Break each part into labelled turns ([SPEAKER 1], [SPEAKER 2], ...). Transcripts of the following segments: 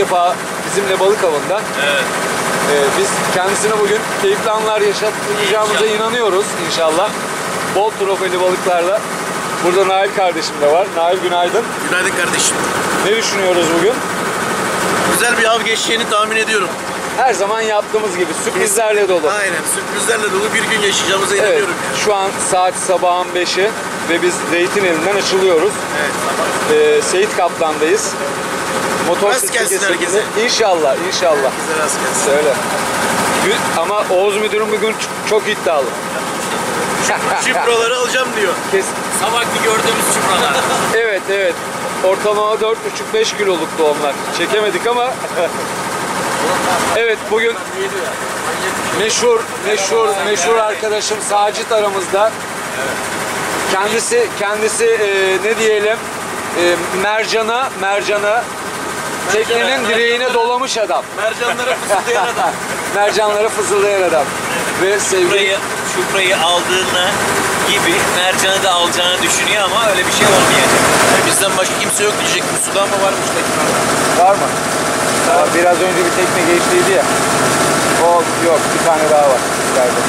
[SPEAKER 1] defa bizimle balık avında.
[SPEAKER 2] Evet.
[SPEAKER 1] Biz kendisine bugün keyifli anlar yaşatacağımıza inanıyoruz inşallah. Bol trofeli balıklarla. Burada Nail kardeşim de var. Nail günaydın.
[SPEAKER 2] Günaydın kardeşim.
[SPEAKER 1] Ne düşünüyoruz bugün?
[SPEAKER 2] Güzel bir av geçeceğini tahmin ediyorum.
[SPEAKER 1] Her zaman yaptığımız gibi sürprizlerle dolu.
[SPEAKER 2] Aynen, sürprizlerle dolu bir gün yaşayacağımıza
[SPEAKER 1] Evet,
[SPEAKER 2] inanıyorum.
[SPEAKER 1] şu an saat sabahın 5'i ve biz Zeytineli'nden açılıyoruz.
[SPEAKER 2] Evet, sabah.
[SPEAKER 1] Seyit Kaplan'dayız.
[SPEAKER 2] Rast gelsin herkese.
[SPEAKER 1] İnşallah, inşallah.
[SPEAKER 2] Herkese rast gelsin.
[SPEAKER 1] Söyle. Ama Oğuz müdürüm bugün çok iddialı.
[SPEAKER 2] Çiproları alacağım diyor.
[SPEAKER 3] Sabahki gördüğümüz çupralar.
[SPEAKER 1] Evet, evet. Ortalama 4,5-5 kiloluktu onlar. Çekemedik ama. Evet, bugün meşhur arkadaşım Sacit aramızda. Kendisi ne diyelim, mercana teknenin direğine dolamış adam.
[SPEAKER 2] Mercanlara fısıldayan adam.
[SPEAKER 1] Mercanlara fızıldayan adam. Ve sevgili
[SPEAKER 3] Çuprayı aldığını gibi mercanı da alacağını düşünüyor ama öyle bir şey olmayacak.
[SPEAKER 2] Yani bizden başka kimse yok diyecek. Bu sudan mı varmış tekrar?
[SPEAKER 1] var mı? Biraz önce bir tekne geçtiydi ya. O yok, bir tane daha var içeride.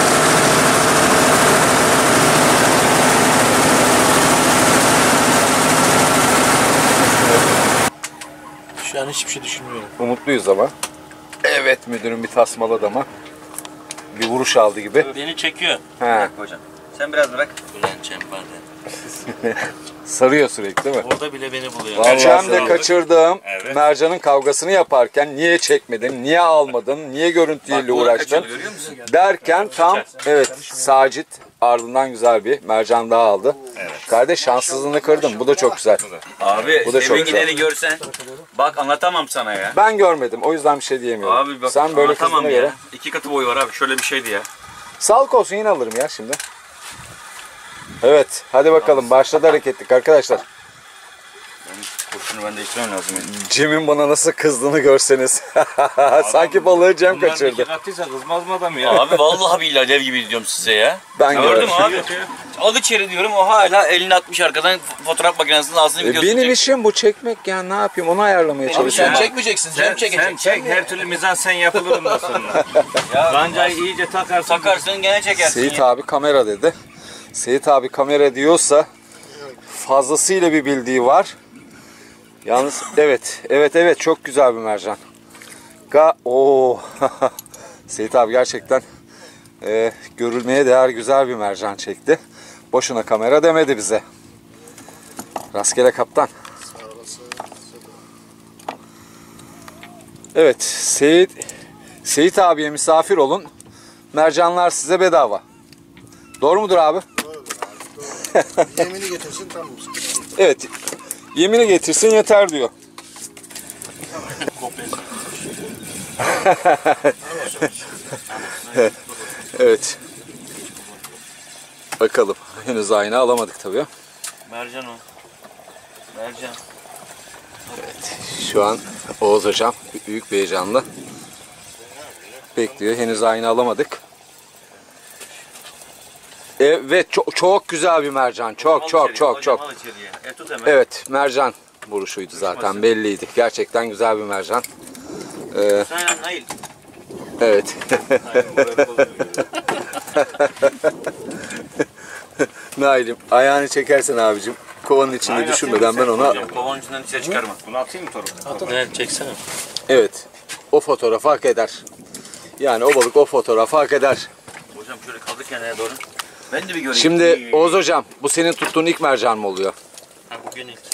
[SPEAKER 2] Şu an hiçbir şey düşünmüyorum.
[SPEAKER 1] Umutluyuz ama. Evet, müdürüm bir tasmaladı ama. Bir vuruş aldı gibi.
[SPEAKER 3] Beni çekiyor.
[SPEAKER 1] He.
[SPEAKER 3] Hocam. Sen biraz bırak. Ulan Cembar'da.
[SPEAKER 1] Sarıyor sürekli değil mi?
[SPEAKER 3] Orada bile beni buluyor.
[SPEAKER 1] Vallahi de kaçırdığım
[SPEAKER 3] Evet.
[SPEAKER 1] mercanın kavgasını yaparken niye çekmedin, niye almadın, niye görüntüyle uğraştın derken tam evet Sacit ardından güzel bir mercan daha aldı. Evet. Kardeş şanssızlığını kırdın. Bu da çok güzel.
[SPEAKER 3] Abi
[SPEAKER 1] Bu da çok
[SPEAKER 3] gideni görsen. Bak anlatamam sana ya.
[SPEAKER 1] Ben görmedim. O yüzden bir şey diyemiyorum.
[SPEAKER 3] Abi bak
[SPEAKER 1] sen böyle kızdığına
[SPEAKER 3] ya.
[SPEAKER 1] göre.
[SPEAKER 3] 2 katı boyu var abi. Şöyle bir şeydi ya.
[SPEAKER 1] Sağlık olsun, yine alırım ya şimdi. Evet, hadi bakalım. Başladı hareketlik arkadaşlar.
[SPEAKER 3] Kurşunu ben değiştirmem lazım.
[SPEAKER 1] Cem'in bana nasıl kızdığını görseniz. Sanki balığı Cem kaçırdı.
[SPEAKER 3] Kattıysa kızmaz mı adam ya? Abi vallahi billahi dev gibi diyorum size ya.
[SPEAKER 1] Ben
[SPEAKER 3] Gördüm
[SPEAKER 1] gördüm.
[SPEAKER 3] abi. Al içeri diyorum, o hala elini atmış arkadan fotoğraf makinesinin ağzını videosunu
[SPEAKER 1] Benim
[SPEAKER 3] çek.
[SPEAKER 1] işim bu, çekmek ya, ne yapayım, onu ayarlamaya
[SPEAKER 2] Abi
[SPEAKER 1] çalışıyorum.
[SPEAKER 2] sen çekmeyeceksin, Cem çekecek.
[SPEAKER 4] Sen çek, her türlü mizansen yapılır ondan sonra. Kancayı iyice
[SPEAKER 3] Takarsın gene çekersin
[SPEAKER 1] Seyit
[SPEAKER 3] ya.
[SPEAKER 1] abi kamera dedi. Seyit abi kamera diyorsa fazlasıyla bir bildiği var. Yalnız evet çok güzel bir mercan. Oo. Seyit abi gerçekten görülmeye değer güzel bir mercan çekti. Boşuna kamera demedi bize. Rastgele kaptan. Evet, Seyit abiye misafir olun. Mercanlar size bedava. Doğru mudur abi?
[SPEAKER 5] Yemini getirsin, tamam.
[SPEAKER 1] Evet. Yemini getirsin yeter diyor. Evet. Bakalım. Henüz ayna alamadık tabii.
[SPEAKER 3] Mercan o. Mercan.
[SPEAKER 1] Evet. Şu an Oğuz hocam büyük bir heyecanla bekliyor. Henüz ayna alamadık. Evet, çok güzel bir mercan. Çok. Evet, mercan vuruşuydu zaten, belliydi. Gerçekten güzel bir mercan.
[SPEAKER 3] Sen Nail.
[SPEAKER 1] Evet. Nail'im, ayağını çekersen abicim. Kovanın içinde düşürmeden ben ona...
[SPEAKER 3] Kovanın içinden dışarı çıkarma.
[SPEAKER 4] Bunu atayım mı Torun?
[SPEAKER 3] Evet, çeksene.
[SPEAKER 1] Evet, o fotoğrafı hak eder. Yani o balık o fotoğrafı hak eder.
[SPEAKER 3] Hocam şöyle kaldır kendine doğru. Ben de bir göreyim.
[SPEAKER 1] Şimdi Oğuz hocam, bu senin tuttuğun ilk mercan mı oluyor?
[SPEAKER 3] Ha, bugün ilk.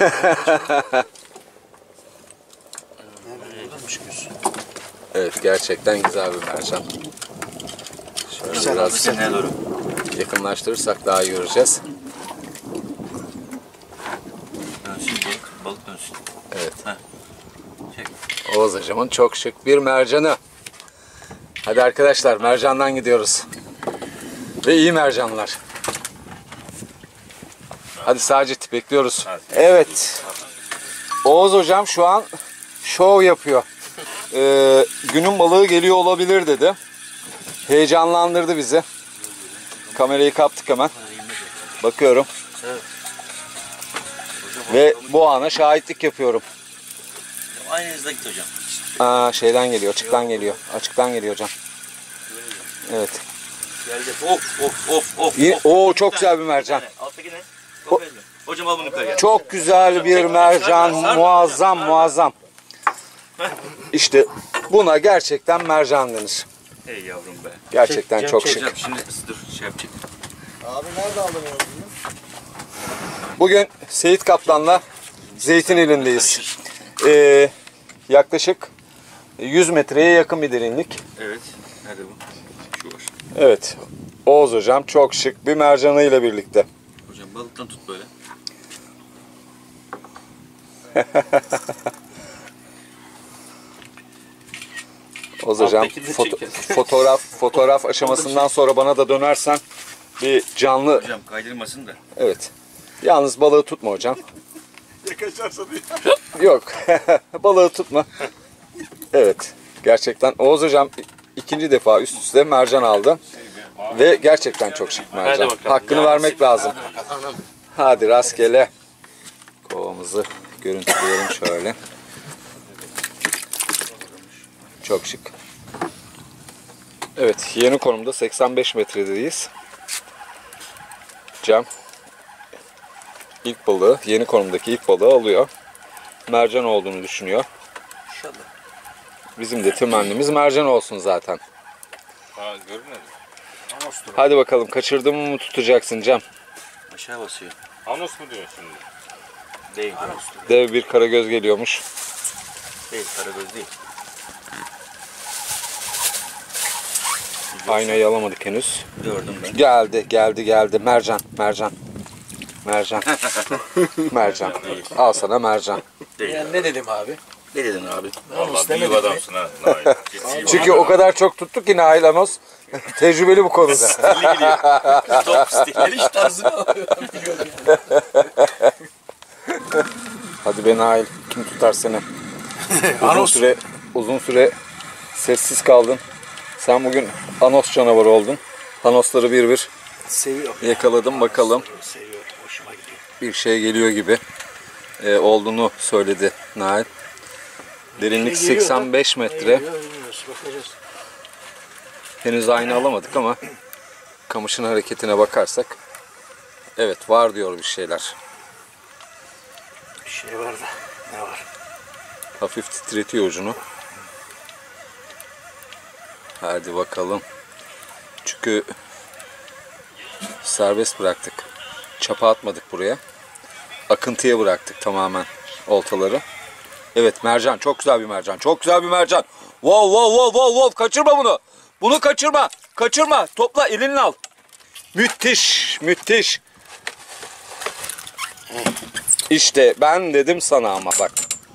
[SPEAKER 1] Evet, gerçekten güzel bir mercan. Şöyle biraz
[SPEAKER 3] Kendine doğru.
[SPEAKER 1] yakınlaştırırsak daha iyi göreceğiz.
[SPEAKER 3] Dönsün balık dönsün.
[SPEAKER 1] Evet.
[SPEAKER 3] Heh. Çek.
[SPEAKER 1] Oğuz hocamın çok şık bir mercanı. Hadi arkadaşlar, mercandan gidiyoruz. Ve iyi mercanlar. Hadi Sacit, bekliyoruz. Evet. Oğuz hocam şu an şov yapıyor. Günün balığı geliyor olabilir dedi. Heyecanlandırdı bizi. Kamerayı kaptık hemen. Bakıyorum. Ve bu ana şahitlik yapıyorum.
[SPEAKER 3] Aynı hızda git hocam.
[SPEAKER 1] Aa, şeyden geliyor, açıktan geliyor. Açıktan geliyor hocam. Evet.
[SPEAKER 3] Geldi. Of.
[SPEAKER 1] Oo, çok güzel bir mercan.
[SPEAKER 3] Alttaki ne? Kopez mi? Hocam al bunu yukarıya.
[SPEAKER 1] Çok güzel bir mercan. Muazzam. İşte buna gerçekten mercan denir.
[SPEAKER 3] Hey yavrum be.
[SPEAKER 1] Gerçekten çok şık.
[SPEAKER 3] Hocam şimdi dur şey yapacak.
[SPEAKER 5] Abi nerede aldın onu?
[SPEAKER 1] Bugün Seyit Kaplan'la Zeytinli'ndeyiz. Yaklaşık 100 metreye yakın bir derinlik.
[SPEAKER 3] Evet. Nerede bu? Şu var.
[SPEAKER 1] Evet. Oğuz hocam çok şık bir mercanıyla birlikte.
[SPEAKER 3] Hocam balıktan tut böyle.
[SPEAKER 1] Oğuz hocam
[SPEAKER 3] Alttakini de çekelim.
[SPEAKER 1] fotoğraf aşamasından sonra bana da dönersen bir canlı.
[SPEAKER 3] Hocam kaydırmasın da.
[SPEAKER 1] Evet. Yalnız balığı tutma hocam.
[SPEAKER 5] Ya kaçarsa diye.
[SPEAKER 1] Yok. Balığı tutma. Evet. Gerçekten Oğuz hocam ikinci defa üst üste mercan aldı. Ve gerçekten çok şık mercan. Hakkını vermek lazım. Hadi rastgele. Kovamızı görüntüleyelim şöyle. Çok şık. Evet, yeni konumda 85 metredeyiz. Cem ilk balığı, yeni konumdaki ilk balığı alıyor. Mercan olduğunu düşünüyor.
[SPEAKER 3] İnşallah.
[SPEAKER 1] Bizim de temennimiz mercan olsun zaten.
[SPEAKER 4] Ha, görmedin.
[SPEAKER 1] Hadi bakalım, kaçırdığımı mı tutacaksın Cem?
[SPEAKER 3] Aşağı basıyor.
[SPEAKER 4] Anos mu diyorsun şimdi?
[SPEAKER 3] Değil.
[SPEAKER 1] Dev bir karagöz geliyormuş.
[SPEAKER 3] Değil. Karagöz değil.
[SPEAKER 1] Aynayı alamadık henüz.
[SPEAKER 3] Gördüm ben.
[SPEAKER 1] Geldi. Mercan. Mercan. Al sana mercan.
[SPEAKER 3] Değil.
[SPEAKER 5] Yani ne dedim abi?
[SPEAKER 3] Ne dedin abi?
[SPEAKER 4] Vallahi büyük adamsın ha. Nail.
[SPEAKER 1] Çünkü o kadar çok tuttuk ki Nail Anos tecrübeli bu konuda.
[SPEAKER 3] Top stil.
[SPEAKER 5] Hiç tarzını alıyor.
[SPEAKER 1] Hadi be Nail, kim tutar seni? Uzun süre sessiz kaldın. Sen bugün Anos canavarı oldun. Anosları bir bir
[SPEAKER 5] Seviyorum.
[SPEAKER 1] yakaladım, bakalım.
[SPEAKER 5] Seviyorum. Hoşuma gidiyor.
[SPEAKER 1] Bir şey geliyor gibi olduğunu söyledi Nail. Derinlik 85 metre.
[SPEAKER 5] Bilmiyoruz. Bakacağız.
[SPEAKER 1] Henüz ayna alamadık ama kamışın hareketine bakarsak evet, var diyor bir şeyler.
[SPEAKER 5] Bir şey var da. Ne var?
[SPEAKER 1] Hafif titretiyor ucunu. Hadi bakalım. Çünkü serbest bıraktık. Çapa atmadık buraya. Akıntıya bıraktık tamamen oltaları. Evet, mercan. Çok güzel bir mercan. Çok güzel bir mercan. Wow. Kaçırma bunu. Bunu kaçırma. Kaçırma. Topla, elinle al. Müthiş. İşte ben dedim sana ama bak.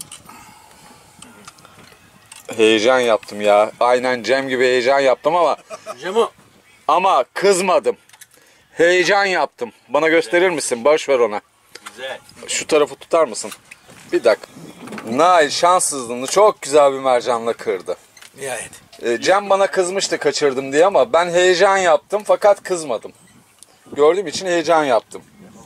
[SPEAKER 1] Heyecan yaptım ya. Aynen Cem gibi heyecan yaptım
[SPEAKER 5] Cemo.
[SPEAKER 1] ama kızmadım. Heyecan yaptım. Bana gösterir misin? Boş ver ona.
[SPEAKER 3] Güzel.
[SPEAKER 1] Şu tarafı tutar mısın? Bir dakika. Nail şanssızlığını çok güzel bir mercanla kırdı.
[SPEAKER 5] Nihayet.
[SPEAKER 1] Cem bana kızmıştı kaçırdım diye ama ben heyecan yaptım fakat kızmadım. Gördüğüm için heyecan yaptım.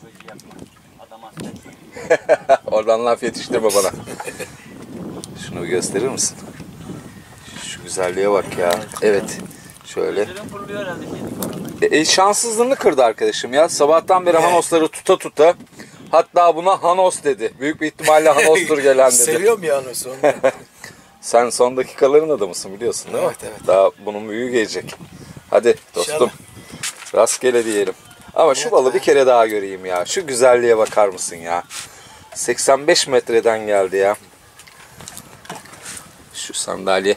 [SPEAKER 1] Oradan laf yetiştirme bana. Şunu gösterir misin? Şu güzelliğe bak ya. Evet. Şöyle. Şanssızlığını kırdı arkadaşım ya. Sabahtan beri Hanosları tuta. Hatta buna Hanos dedi. Büyük bir ihtimalle Hanos'tur gelen dedi.
[SPEAKER 5] Seviyorum ya Anos'u.
[SPEAKER 1] Sen son dakikaların adamısın biliyorsun değil mi?
[SPEAKER 5] Evet.
[SPEAKER 1] Daha bunun büyüğü gelecek. Hadi dostum. Rastgele diyelim. Ama şu balı bir kere daha göreyim ya. Şu güzelliğe bakar mısın ya? 85 metreden geldi ya. Şu sandalye.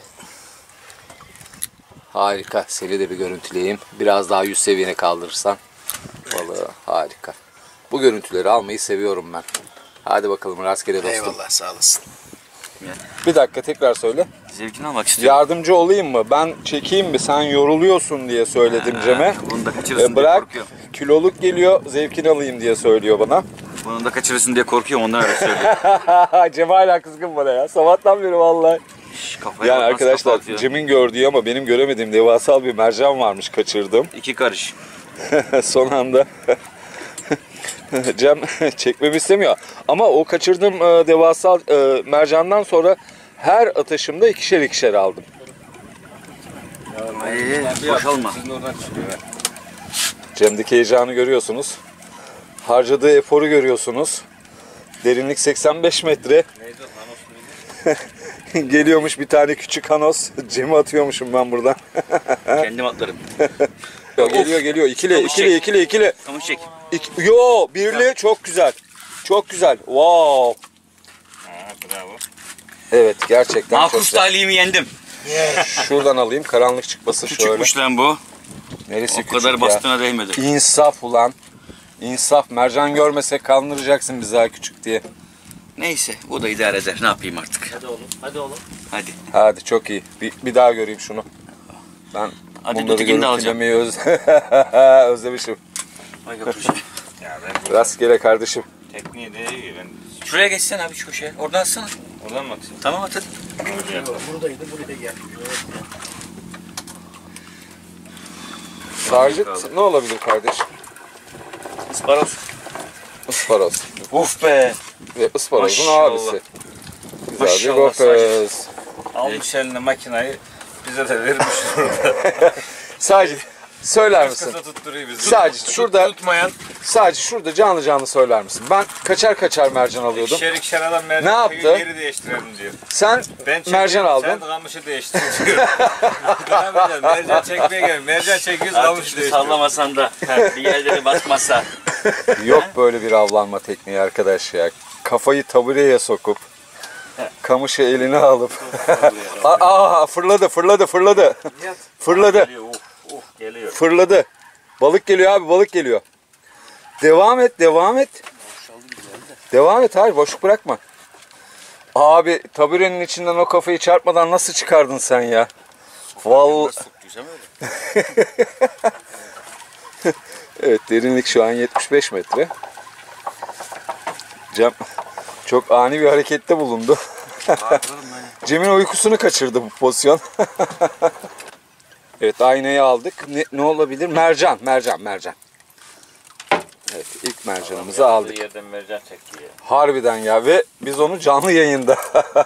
[SPEAKER 1] Harika. Seni de bir görüntüleyeyim. Biraz daha yüz seviyene kaldırırsan. Balığı harika. Bu görüntüleri almayı seviyorum ben. Hadi bakalım rastgele dostum.
[SPEAKER 5] Eyvallah, sağ olasın.
[SPEAKER 1] Bir dakika tekrar söyle.
[SPEAKER 3] Zevkini almak istiyorum.
[SPEAKER 1] Yardımcı olayım mı? Ben çekeyim mi? Sen yoruluyorsun diye söyledim Cem'e.
[SPEAKER 3] Bunu da kaçırırsın diye
[SPEAKER 1] Bırak.
[SPEAKER 3] korkuyorum.
[SPEAKER 1] Kiloluk geliyor. Zevkini alayım diye söylüyor bana.
[SPEAKER 3] Bunu da kaçırırsın diye korkuyorum, ondan öyle söylüyorum.
[SPEAKER 1] Cem hala kızgın bana ya. Sabahtan beri vallahi.
[SPEAKER 3] Kafaya
[SPEAKER 1] Yani
[SPEAKER 3] bak, nasıl kafa
[SPEAKER 1] arkadaşlar
[SPEAKER 3] atıyor.
[SPEAKER 1] Cem'in gördüğü ama benim göremediğim devasal bir mercan varmış, kaçırdım.
[SPEAKER 3] 2 karış.
[SPEAKER 1] Son anda Cem çekmemi istemiyor. Ama o kaçırdığım devasal mercandan sonra Her atışımda ikişer ikişer aldım.
[SPEAKER 3] Boşalma.
[SPEAKER 1] Cem'deki heyecanı görüyorsunuz. Harcadığı eforu görüyorsunuz. Derinlik 85 metre. Geliyormuş bir tane küçük hanos. Cem'i atıyormuşum ben buradan.
[SPEAKER 3] Kendim atlarım.
[SPEAKER 1] Geliyor. İkili.
[SPEAKER 3] Kamış çek.
[SPEAKER 1] Yo, birli çok güzel. Çok güzel. Wow.
[SPEAKER 4] Bravo.
[SPEAKER 1] Evet, gerçekten çok
[SPEAKER 3] Makus
[SPEAKER 1] güzel.
[SPEAKER 3] talihimi yendim.
[SPEAKER 1] Şuradan alayım. Karanlık çıkmasın şöyle.
[SPEAKER 3] Küçükmüş lan bu.
[SPEAKER 1] Neresi
[SPEAKER 3] O
[SPEAKER 1] küçük
[SPEAKER 3] kadar
[SPEAKER 1] ya?
[SPEAKER 3] bastığına değmedi.
[SPEAKER 1] İnsaf ulan. İnsaf. Mercan görmesek kandıracaksın bizi ha küçük diye.
[SPEAKER 3] Neyse bu da idare eder. Ne yapayım artık?
[SPEAKER 5] Hadi oğlum.
[SPEAKER 3] Hadi.
[SPEAKER 1] Hadi çok iyi. Bir daha göreyim şunu. Ben
[SPEAKER 3] Hadi
[SPEAKER 1] bunları
[SPEAKER 3] ötekini de alacağım.
[SPEAKER 1] görüntülemeyi özlemişim.
[SPEAKER 3] Vay götüreceğim.
[SPEAKER 4] Ya ben
[SPEAKER 1] Rastgele kardeşim.
[SPEAKER 4] tekniği de iyi. Ben
[SPEAKER 3] Şuraya geçsen abi şu köşeye. Oradan atsana.
[SPEAKER 4] oradan mı atayım?
[SPEAKER 3] Tamam at hadi.
[SPEAKER 5] Buradaydı, buraya gel.
[SPEAKER 1] Sarcıt ne olabilir kardeşim?
[SPEAKER 3] Isparoz.
[SPEAKER 1] Isparoz.
[SPEAKER 3] Uf be.
[SPEAKER 1] Ve ısparozun
[SPEAKER 3] Maşallah.
[SPEAKER 1] abisi. Güzel bir
[SPEAKER 3] Maşallah
[SPEAKER 1] gofez.
[SPEAKER 4] Almış eline makinayı bize de vermiş burada.
[SPEAKER 1] Sadece söyler misin?
[SPEAKER 4] Kısa tutturuyor bizi.
[SPEAKER 1] Sadece şurada,
[SPEAKER 4] Tutmayan
[SPEAKER 1] sadece şurada canlı söyler misin? Ben kaçar mercan alıyordum.
[SPEAKER 4] ikişer adam mercan
[SPEAKER 1] Ne
[SPEAKER 4] çekiyor,
[SPEAKER 1] yaptı?
[SPEAKER 4] geri değiştirelim diyor.
[SPEAKER 1] Sen
[SPEAKER 4] Ben çekiyorum,
[SPEAKER 1] mercan aldın.
[SPEAKER 4] Sen kamışı değiştir diyor. Devam edelim. Mercan çekmeye gel. Mercan çekiyoruz
[SPEAKER 3] Artık
[SPEAKER 4] kamışı
[SPEAKER 3] şimdi
[SPEAKER 4] değiştiriyor.
[SPEAKER 3] sallamasan da bir yerleri basmasa.
[SPEAKER 1] Yok böyle bir avlanma tekniği arkadaş ya. Kafayı tabureye sokup kamışı eline alıp fırladı. Fırladı.
[SPEAKER 3] Geliyor.
[SPEAKER 1] Fırladı. Balık geliyor abi, balık geliyor. Devam et. Devam et, hayır boşluk bırakma. Abi taburenin içinden o kafayı çarpmadan nasıl çıkardın sen ya? Vallahi. Evet, derinlik şu an 75 metre. Cem çok ani bir harekette bulundu. Cem'in uykusunu kaçırdı bu pozisyon. Evet, aynayı aldık. Ne olabilir? Mercan. Evet, ilk mercanımızı aldık.
[SPEAKER 4] Yerden mercan çekti ya.
[SPEAKER 1] Harbiden ya, ve biz onu canlı yayında.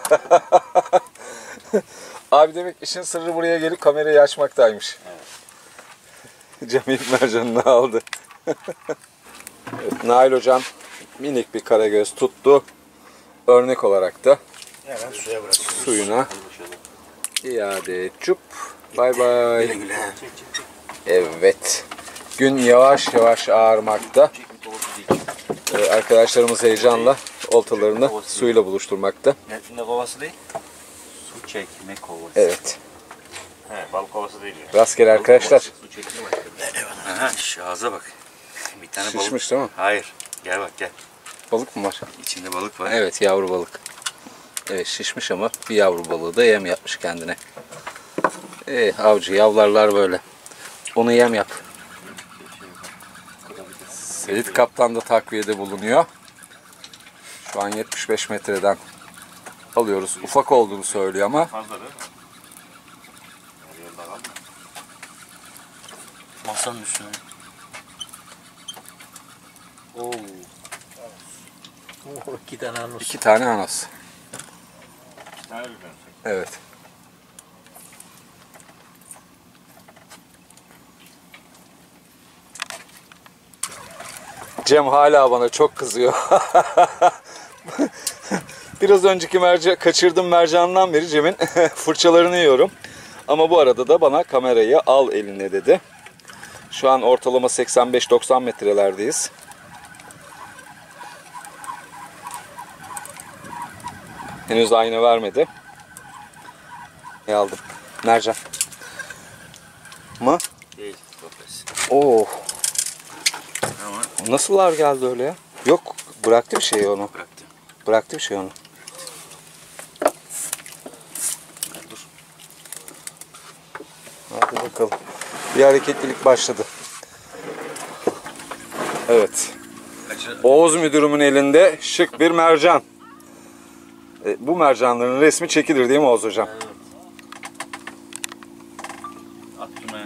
[SPEAKER 1] Abi demek işin sırrı buraya gelip kamerayı açmaktaymış. Cem ilk mercanını aldı. Evet, Nail hocam minik bir karagöz tuttu. Örnek olarak da
[SPEAKER 5] Hemen suya bırak.
[SPEAKER 1] suyuna iade et. Çup. Bay bay. Evet. Gün yavaş yavaş ağarmakta. Arkadaşlarımız heyecanla oltalarını suyla buluşturmakta.
[SPEAKER 3] Ne kovası değil? Su çekme kovası.
[SPEAKER 1] Evet.
[SPEAKER 4] He, balık kovası değil ya.
[SPEAKER 1] Rastgele arkadaşlar.
[SPEAKER 3] Su çekme Aha şu ağza bak. Bir tane balık.
[SPEAKER 1] Şişmiş değil mi?
[SPEAKER 3] Hayır. Gel bak gel.
[SPEAKER 1] Balık mı var?
[SPEAKER 3] İçinde balık var.
[SPEAKER 1] Evet, yavru balık. Evet, şişmiş ama bir yavru balığı da yem yapmış kendine. Avcı yavlarlar böyle. Onu yem yap. Seyit Kaptan da takviyede bulunuyor. Şu an 75 metreden alıyoruz. Ufak olduğunu söylüyor ama
[SPEAKER 4] Fazla değil mi?
[SPEAKER 3] Masanın üstüne. Oo.
[SPEAKER 5] 2 tane anus.
[SPEAKER 1] 2 tane anas.
[SPEAKER 4] Ne öyle ben?
[SPEAKER 1] Evet. Cem hala bana çok kızıyor. Biraz önceki kaçırdığım mercandan beri Cem'in fırçalarını yiyorum. Ama bu arada da bana kamerayı al eline dedi. Şu an ortalama 85-90 metrelerdeyiz. Henüz ayna vermedi. Ne aldım? Mercan. Mı?
[SPEAKER 3] Değil. Kofes.
[SPEAKER 1] Oo.
[SPEAKER 3] Ama
[SPEAKER 1] Nasıl ağır geldi öyle ya? Yok, bıraktı bir şey onu.
[SPEAKER 3] bıraktım.
[SPEAKER 1] Bıraktı bir şey onu.
[SPEAKER 3] Dur.
[SPEAKER 1] Hadi bakalım. Bir hareketlilik başladı. Evet. Oğuz müdürümün elinde şık bir mercan. Bu mercanların resmi çekilir değil mi Oğuz hocam?
[SPEAKER 3] At şunu.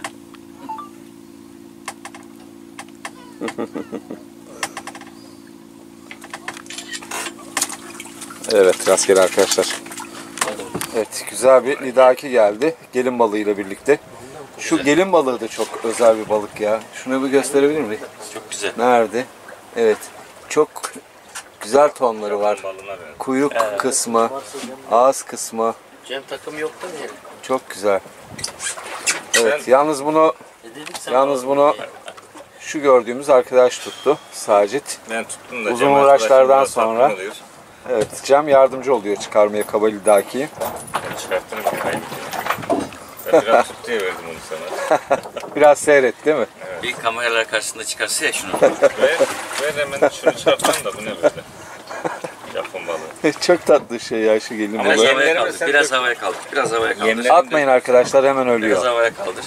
[SPEAKER 1] Evet, rastgele arkadaşlar.
[SPEAKER 3] Hadi bakalım.
[SPEAKER 1] Evet, güzel bir lidaki geldi. Gelin balığıyla birlikte. Şu gelin balığı da çok özel bir balık ya. Şunu bir gösterebilir miyim?
[SPEAKER 2] Çok güzel.
[SPEAKER 1] Nerede? Evet. Çok güzel tonları var. Kuyruk kısmı, ağız kısmı.
[SPEAKER 5] Cem takım yoktu mu yani?
[SPEAKER 1] Çok güzel. Evet, yalnız bunu şu gördüğümüz arkadaş tuttu. Sacit.
[SPEAKER 4] Ben tuttum da.
[SPEAKER 1] Uzun
[SPEAKER 4] Cem
[SPEAKER 1] uğraşlardan
[SPEAKER 4] arkadaşım biraz
[SPEAKER 1] sonra-
[SPEAKER 4] tatmin oluyor.
[SPEAKER 1] Evet, Cem yardımcı oluyor çıkarmaya kaba lidakiyi.
[SPEAKER 4] Ben çıkarttım bir kaybettim. Ben biraz tut diye verdim onu sana.
[SPEAKER 1] Biraz seyret değil mi?
[SPEAKER 2] Bir kameralar karşısında çıkarsa ya şunu.
[SPEAKER 4] Ver hemen şunu çıkartalım da bu ne böyle? Japon balığı.
[SPEAKER 1] Çok tatlı şey ya şu gelin
[SPEAKER 2] Biraz
[SPEAKER 1] balığı.
[SPEAKER 2] havaya
[SPEAKER 4] Yemlerimi
[SPEAKER 2] kaldır.
[SPEAKER 4] sen
[SPEAKER 2] Biraz
[SPEAKER 4] dök.
[SPEAKER 2] havaya kaldır. Biraz havaya kaldır.
[SPEAKER 4] Yemler-
[SPEAKER 1] Atmayın arkadaşlar, hemen
[SPEAKER 2] Biraz
[SPEAKER 1] ölüyor.
[SPEAKER 2] havaya kaldır.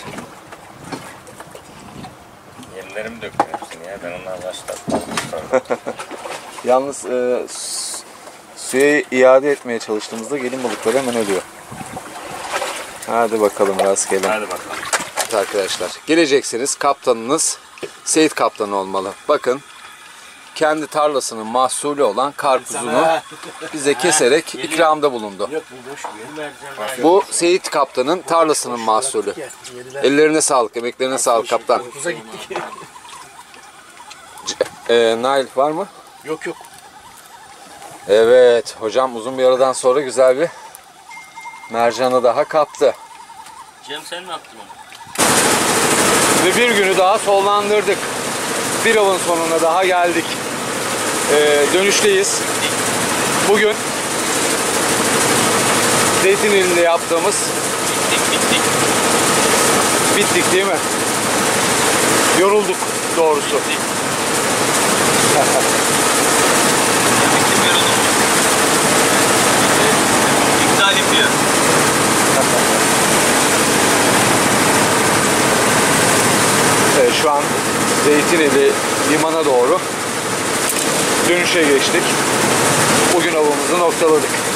[SPEAKER 4] Yemlerimi döktüm hepsini ya. Ben onlarla başlattım.
[SPEAKER 1] Yalnız suya iade etmeye çalıştığımızda gelin balıkları hemen ölüyor. Hadi bakalım rastgele.
[SPEAKER 4] Hadi bakalım.
[SPEAKER 1] Evet arkadaşlar, geleceksiniz, kaptanınız Seyit Kaptan olmalı. Bakın, kendi tarlasının mahsulü olan karpuzunu bize keserek ikramda bulundu.
[SPEAKER 5] Yok bu boş bir yer. Mercan.
[SPEAKER 1] Bu Seyit Kaptan'ın tarlasının mahsulü. Ellerine sağlık, emeklerine sağlık kaptan.
[SPEAKER 5] Kuza gittik.
[SPEAKER 1] Nail var mı?
[SPEAKER 5] Yok yok.
[SPEAKER 1] Evet, hocam uzun bir aradan sonra güzel bir mercanı daha kaptı.
[SPEAKER 2] Cem sen mi yaptın onu?
[SPEAKER 1] Ve bir günü daha sonlandırdık. Bir avın sonuna daha geldik. Dönüşteyiz. Bugün Zeytinli'nde yaptığımız bittik değil mi? Yorulduk doğrusu.
[SPEAKER 2] Bittim yoruldum. İptal ediyor.
[SPEAKER 1] Şu an Zeytinli limana doğru dönüşe geçtik. Bugün avımızı noktaladık.